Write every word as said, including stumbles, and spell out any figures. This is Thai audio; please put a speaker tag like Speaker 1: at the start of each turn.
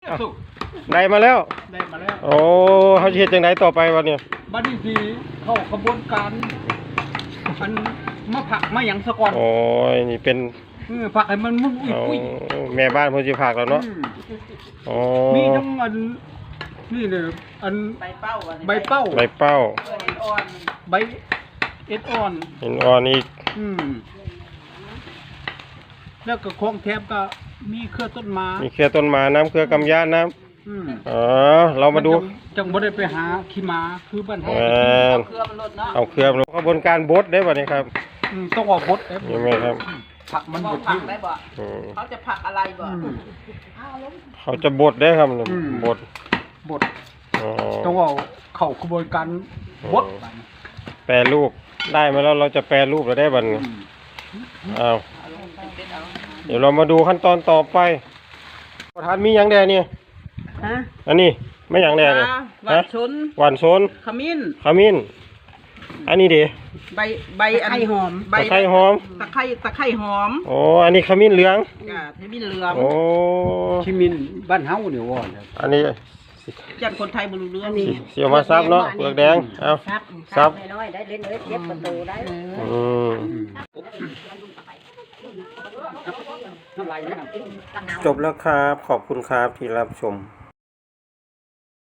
Speaker 1: สุก
Speaker 2: ได้มาแล้ว
Speaker 1: ได้มาแล้ว
Speaker 2: โอ้เขาเฮ็ดจังไดต่อไปวะเนี่ย
Speaker 1: บัดนี้สิเข้าขบวนการมันมาผักมาหยังซะก่อน
Speaker 2: โอ้ยนี่เป็น
Speaker 1: เออผักให้มันมุ้ย
Speaker 2: เอา
Speaker 1: ปุ้ย
Speaker 2: แม่บ้านเพิ่นสิพากแล้วเนาะ
Speaker 1: อืม
Speaker 2: อ๋อ
Speaker 1: มีทั้งอันนี่เลยอัน
Speaker 3: ใบเป้าอันนี้
Speaker 1: ใบเป้า
Speaker 2: ใบเป้า
Speaker 3: เออเห็ดอ่อน
Speaker 1: ใบเอ็ดอ่อน
Speaker 2: เห็นอ่อนอีก
Speaker 1: อืมแล้วก็ของแถมก็มีเครือต้นไม้
Speaker 2: มีเครือต้นไม้น้ำเครือกำยานน้
Speaker 1: อืม
Speaker 2: ำอ๋อเรามาดู
Speaker 1: จังจังบ่ได้ไปหาขี้ม้าคือบ้านเฮา
Speaker 2: เออ
Speaker 3: เครือมันลดเนาะ
Speaker 2: เอาเครือมาขบวนการบดได้ป่ะนี่ครับ
Speaker 1: อืมต้องเอาบดเอฟ
Speaker 2: นี่ไหมครับ
Speaker 1: ผักมัน
Speaker 3: บอก
Speaker 1: บด
Speaker 3: ผั
Speaker 1: ทิ้
Speaker 3: ก
Speaker 1: ง
Speaker 3: ได้บ่
Speaker 2: อืม
Speaker 3: เขาจะผักอะไรบ่
Speaker 1: อืม
Speaker 2: เขาจะบดได้ครับ
Speaker 1: อืม
Speaker 2: บด
Speaker 1: บด
Speaker 2: อ๋อ
Speaker 1: ต้องเอาเข้ากระบวนการบด
Speaker 2: แปรรูปได้มาแล้วเราจะแปรรูปแล้วได้บัดนี้อ้าว
Speaker 3: เอาลงเป็นๆเอา
Speaker 2: เดี๋ยวเรามาดูขั้นตอนต่อไปประธานมีหยังแดเนี่ย
Speaker 3: ฮะ
Speaker 2: อันนี้ไม่หยังแดเนี่ย
Speaker 3: หวานชน
Speaker 2: หวานโซน
Speaker 3: ขมิ้น
Speaker 2: ขมิ้นอันนี้ดิ
Speaker 3: ใบใบอันหอมใบ
Speaker 2: ตะไคร้หอม
Speaker 3: ตะไคร้ตะไคร้หอม
Speaker 2: โอ้อันนี้ขมิ้นเหลือง
Speaker 3: จ้ะขมิ้นเหลือง
Speaker 2: โอ้
Speaker 1: ชิมินบ้านเฮาเนี่ยว่าเนี่ย
Speaker 2: อันนี้
Speaker 3: จันคนไทยบ่รู้เรื่อง
Speaker 2: สิเสียวมาซับเนาะเปลือกแดงเอา
Speaker 4: ซับ
Speaker 2: ซับ
Speaker 4: น้อยๆได้เล่นเอ้ยเจ็บประตูได้
Speaker 2: อืม
Speaker 1: น้ำลายเนี่ย
Speaker 2: จบแล้วครับขอบคุณครับที่รับชม